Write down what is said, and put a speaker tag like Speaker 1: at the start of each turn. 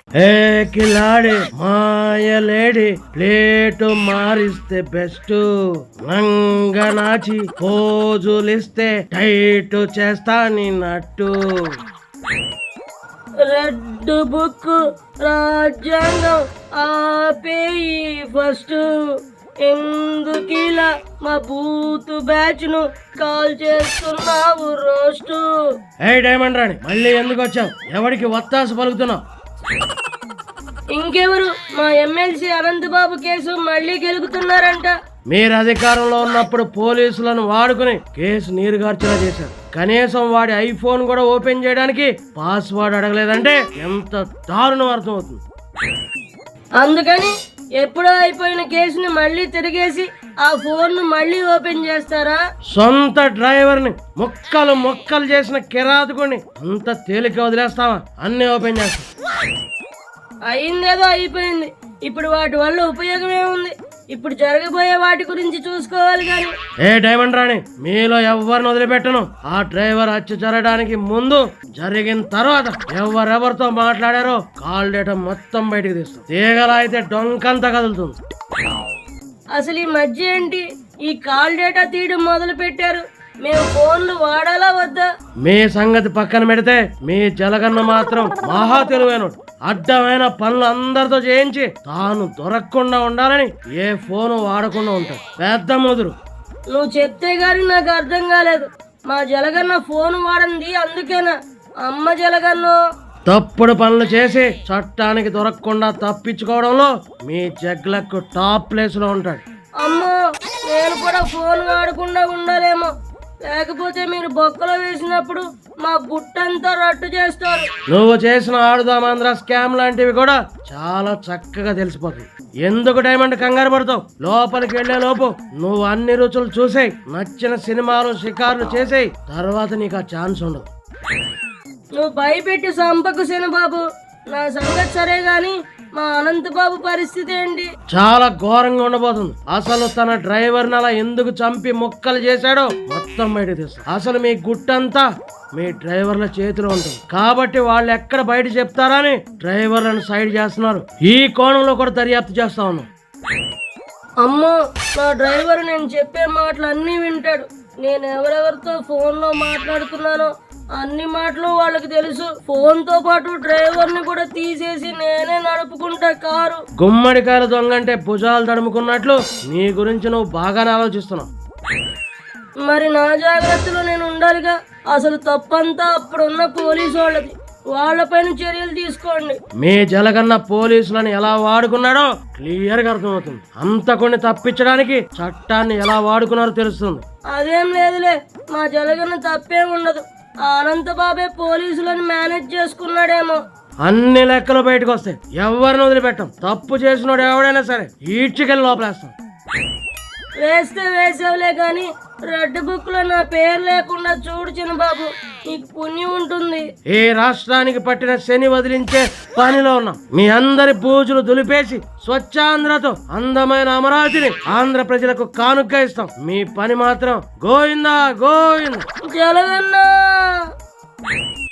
Speaker 1: ఏ కిలాడి మాయలేడి ప్లేటు మారిస్తే బెస్ట్, నంగనాచి పోజులిస్తే టైట్ చేస్తా నిన్నట్టు.
Speaker 2: రెడ్ బుక్ రాజ్యాంగం ఆపేయి ఫస్ట్, ఎందుకిలా మా బూత్ బ్యాచ్ ను కాల్ చేస్తున్నావు రోస్టు.
Speaker 1: ఏ డైమండ్ రాణి, మళ్ళీ ఎందుకు వచ్చావు? ఎవరికి వత్తాసు పలుకుతున్నావు?
Speaker 2: ఇంకెవరు, మా ఎమ్మెల్సీ అనంతబాబు కేసు మళ్ళీ గెలుపుతున్నారంట.
Speaker 1: మీరు అధికారంలో ఉన్నప్పుడు పోలీసులను వాడుకుని కేసు నీరుగార్చేలా చేశారు. కనీసం వాడి ఐఫోన్ కూడా ఓపెన్ చేయడానికి పాస్వర్డ్ అడగలేదంటే ఎంత దారుణం అర్థమవుతుంది.
Speaker 2: అందుకని ఎప్పుడో అయిపోయిన కేసుని మళ్ళీ తిరిగేసి ఆ ఫోన్ ను మళ్ళీ ఓపెన్ చేస్తారా?
Speaker 1: సొంత డ్రైవర్ ని మొక్కలు మొక్కలు చేసిన కిరాతకుని అంత తేలిక వదిలేస్తావా? అన్ని ఓపెన్ చేస్తా.
Speaker 2: అయిందేదో అయిపోయింది, ఇప్పుడు వాటి వల్ల ఉపయోగం ఏముంది? ఇప్పుడు జరగబోయే వాటి గురించి చూసుకోవాలి కానీ.
Speaker 1: ఏ డైమండ్ రాణి, మీలో ఎవరిని వదిలిపెట్టను. ఆ డ్రైవర్ హత్య జరగడానికి ముందు, జరిగిన తర్వాత ఎవరెవరితో మాట్లాడారో కాల్ డేటా మొత్తం బయటకు తీస్తాం. తీగలా అయితే డొంకంతా కదులుతుంది.
Speaker 2: అసలు ఈ మధ్య ఏంటి ఈ కాల్ డేటా తీయడం మొదలు పెట్టారు? మేము ఫోన్లు వాడాలా వద్దా?
Speaker 1: మీ సంగతి పక్కన పెడితే మీ జలగన్న మాత్రం మహా తెలివైనడు. అడ్డమైన పనులు అందరితో చేయించి తాను దొరకకుండా ఉండాలని ఏ ఫోను వాడకుండా ఉంటాడు. పెద్ద ముదురు.
Speaker 2: నువ్వు చెప్తే గాని నాకు అర్థం కాలేదు. మా జలగన్న ఫోన్ వాడంది అందుకేనా? అమ్మ జలగన్ను
Speaker 1: తప్పుడు పనులు చేసి చట్టానికి దొరకకుండా తప్పించుకోవడంలో మీ జగ్లకు టాప్ ప్లేస్ లో ఉంటాడు.
Speaker 2: అమ్మో, నేను కూడా ఫోన్ వాడకుండా ఉండాలేమో, లేకపోతే మీరు బొక్కలో వేసినప్పుడు మా గుట్టంతా రట్టు చేస్తారు.
Speaker 1: నువ్వు చేసిన ఆడుదామాంధ్ర స్కామ్ లాంటివి కూడా చాలా చక్కగా తెలిసిపోతుంది. ఎందుకు డైమండ్ కంగారు పడతావు? లోపలికి వెళ్లే లోపు నువ్వు అన్ని రుచులు చూసేయి, నచ్చిన సినిమాలు షికార్లు చేసేయి. తర్వాత నీకు ఆ ఛాన్స్ ఉండదు.
Speaker 2: నువ్వు భయపెట్టి సంపకు బాబు. నా సంగతి సరే గాని మా అనంతబాబు పరిస్థితి ఏంటి?
Speaker 1: చాలా ఘోరంగా ఉండబోతుంది. అసలు తన డ్రైవర్ అలా ఎందుకు చంపి ముక్కలు చేశాడో మొత్తం బయట తీస్తాం. అసలు మీ గుట్టంతా మీ డ్రైవర్ల చేతిలో ఉంటుంది. కాబట్టి వాళ్ళు ఎక్కడ బయట చెప్తారని డ్రైవర్లను సైడ్ చేస్తున్నారు. ఈ కోణంలో కూడా దర్యాప్తు చేస్తా ఉన్నాం.
Speaker 2: అమ్మో, నా డ్రైవర్ నేను చెప్పే మాటలు అన్నీ వింటాడు. నేను ఎవరెవరితో ఫోన్లో మాట్లాడుతున్నానో అన్ని మాటలు వాళ్ళకి తెలుసు. ఫోన్ తో పాటు డ్రైవర్ ని కూడా తీసేసి నేనే నడుపుకుంటా కారు.
Speaker 1: గుమ్మడికాయల దొంగంటే భుజాలు తడుముకున్నట్లు నీ గురించి నువ్వు బాగానే ఆలోచిస్తున్నావు.
Speaker 2: మరి నా జాగ్రత్తలో నేను ఉండాలిగా. అసలు తప్పంతా అప్పుడున్న పోలీసు వాళ్ళది. వాళ్ళపైన చర్యలు తీసుకోండి.
Speaker 1: మీ జలగన్న పోలీసులను ఎలా వాడుకున్నాడో క్లియర్ గా అర్థమవుతుంది. అంతకుని తప్పించడానికి చట్టాన్ని ఎలా వాడుకున్నారో తెలుస్తుంది.
Speaker 2: అదేం లేదులే, మా జలగన్న తప్పేం ఉండదు. అనంతబాబే పోలీసులను మేనేజ్ చేసుకున్నాడేమో.
Speaker 1: అన్ని లెక్కలు బయటకు వస్తాయి. ఎవరిని వదిలిపెట్టాం. తప్పు చేసినోడు ఎవడైనా సరే ఈడ్చికెళ్ళి లోపలేస్తాం.
Speaker 2: వేస్తే వేసావులే గాని రెడ్ బుక్ లో నా పేరు లేకుండా చూడు చిన్నబాబు, నీకు పుణ్యం ఉంటుంది.
Speaker 1: ఈ రాష్ట్రానికి పట్టిన శని వదిలించే పనిలో ఉన్నాం. మీ అందరి పూజలు దులిపేసి స్వచ్ఛాంధ్రతో అందమైన అమరావతిని ఆంధ్ర ప్రజలకు కానుక ఇస్తాం. మీ పని మాత్రం గోవిందా గోవిందా.
Speaker 2: జలగన్నా.